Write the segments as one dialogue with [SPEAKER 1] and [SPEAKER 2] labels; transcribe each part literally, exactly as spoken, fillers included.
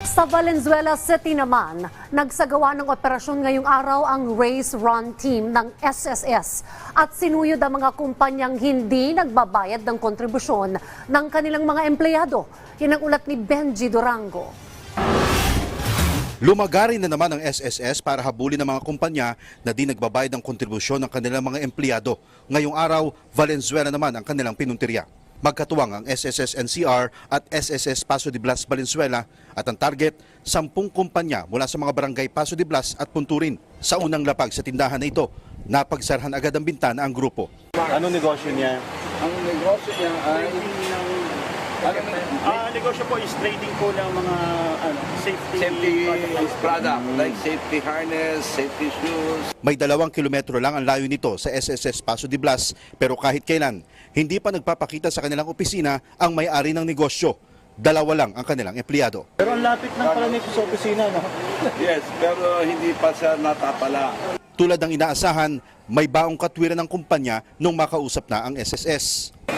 [SPEAKER 1] Sa Valenzuela City naman, nagsagawa ng operasyon ngayong araw ang Race Run Team ng S S S at sinuyod ang mga kumpanyang hindi nagbabayad ng kontribusyon ng kanilang mga empleyado. Yan ang ulat ni Benji Durango.
[SPEAKER 2] Lumagari na naman ang S S S para habulin ng mga kumpanya na di nagbabayad ng kontribusyon ng kanilang mga empleyado. Ngayong araw, Valenzuela naman ang kanilang pinuntirya. Magkatuwang ang S S S N C R at S S S Paso de Blas Valenzuela at ang target, sampung kumpanya mula sa mga barangay Paso de Blas at Punturin. Sa unang lapag sa tindahan na ito, napagsarhan agad ang bintana ang grupo.
[SPEAKER 3] Ano negosyo niya?
[SPEAKER 4] Ang negosyo niya ay
[SPEAKER 3] Ano, ah, negosyo po is trading po ng mga ano, safety,
[SPEAKER 4] safety
[SPEAKER 3] products.
[SPEAKER 4] product like safety harness, safety shoes.
[SPEAKER 2] May dalawang kilometro lang ang layo nito sa S S S Paso de Blas pero kahit kailan, hindi pa nagpapakita sa kanilang opisina ang may-ari ng negosyo. Dalawa lang ang kanilang empleyado.
[SPEAKER 3] Pero ang lapit ng pala nito sa opisina, no?
[SPEAKER 4] Yes, pero hindi pa siya natapala.
[SPEAKER 2] Tulad ng inaasahan, may baong katwiran ng kumpanya nung makausap na ang S S S.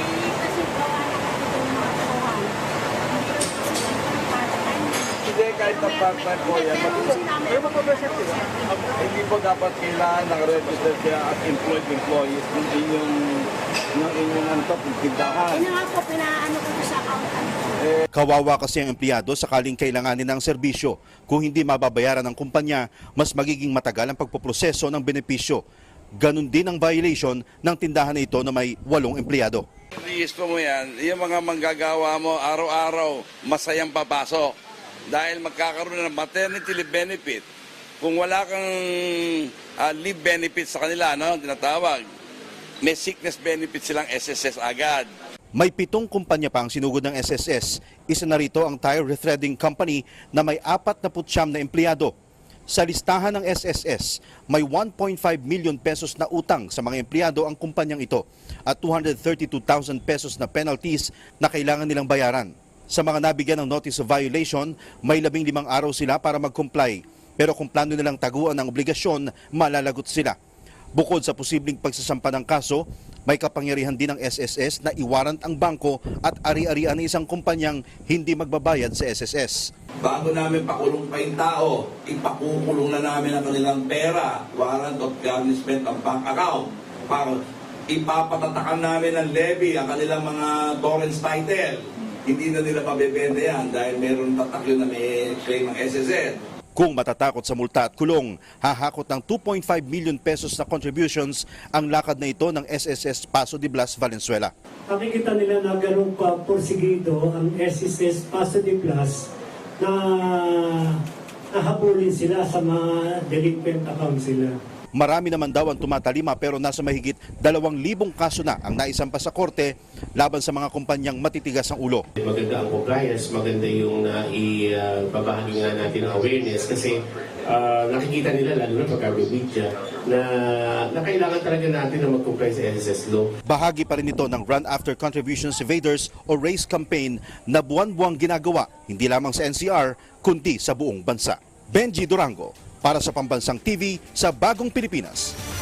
[SPEAKER 4] Hindi kahit na part-time po yan, hindi po dapat kailangan ng register siya at employed employees ng inyong ng inyong antop, tindahan.
[SPEAKER 5] Yun nga po, pinaano ko po sa accountant.
[SPEAKER 2] Kawawa kasi ang empleyado sakaling kailanganin ng serbisyo. Kung hindi mababayaran ng kumpanya, mas magiging matagal ang pagpoproseso ng benepisyo. Ganon din ang violation ng tindahan na ito na may walong empleyado.
[SPEAKER 4] Listo mo yan, yung mga manggagawa mo araw-araw masayang papasok dahil magkakaroon ng maternity leave benefit. Kung wala kang uh, leave benefit sa kanila, no, tinatawag, may sickness benefit silang S S S agad.
[SPEAKER 2] May pitong kumpanya pa ang sinugod ng S S S. Isa na rito ang Tire Rethreading Company na may apat na putsyam na empleyado. Sa listahan ng S S S, may one point five million pesos na utang sa mga empleyado ang kumpanyang ito at two hundred thirty-two thousand pesos na penalties na kailangan nilang bayaran. Sa mga nabigyan ng notice of violation, may labing limang araw sila para mag-comply. Pero kung plano nilang taguan ang obligasyon, malalagot sila. Bukod sa posibleng pagsasampa ng kaso, may kapangyarihan din ng S S S na iwarant ang bangko at ari-arian ng isang kumpanyang hindi magbabayad sa S S S.
[SPEAKER 6] Bago namin pakulong pa yung tao, ipakukulong na namin ang kanilang pera, warrant of garnishment ng bank account, para ipapatatakan namin ng levy ang kanilang mga torrents title. Hindi na nila mabebenta yan dahil meron tatak yun na may claim ng S S S.
[SPEAKER 2] Kung matatakot sa multa at kulong, hahakot ng two point five million pesos na contributions ang lakad na ito ng S S S Paso de Blas Valenzuela.
[SPEAKER 7] Nakikita nila na ganun pa porsigido ang S S S Paso de Blas na nahabulin sila sa mga delinquent account sila.
[SPEAKER 2] Marami naman daw ang tumatalima pero nasa mahigit dalawang libong kaso na ang naisampa sa korte laban sa mga kumpanyang matitigas ang ulo.
[SPEAKER 8] Maganda ang compliance, maganda yung uh, ibabahagi nga natin ang awareness kasi uh, nakikita nila lalo na pagka-media na, na kailangan talaga natin na mag-comply sa S S S law. Bahagi pa rin ito ng Run After Contributions Evaders o RACE campaign na buwan-buwang ginagawa hindi lamang sa N C R kundi sa buong bansa. Benji Durango para sa Pambansang T V sa Bagong Pilipinas.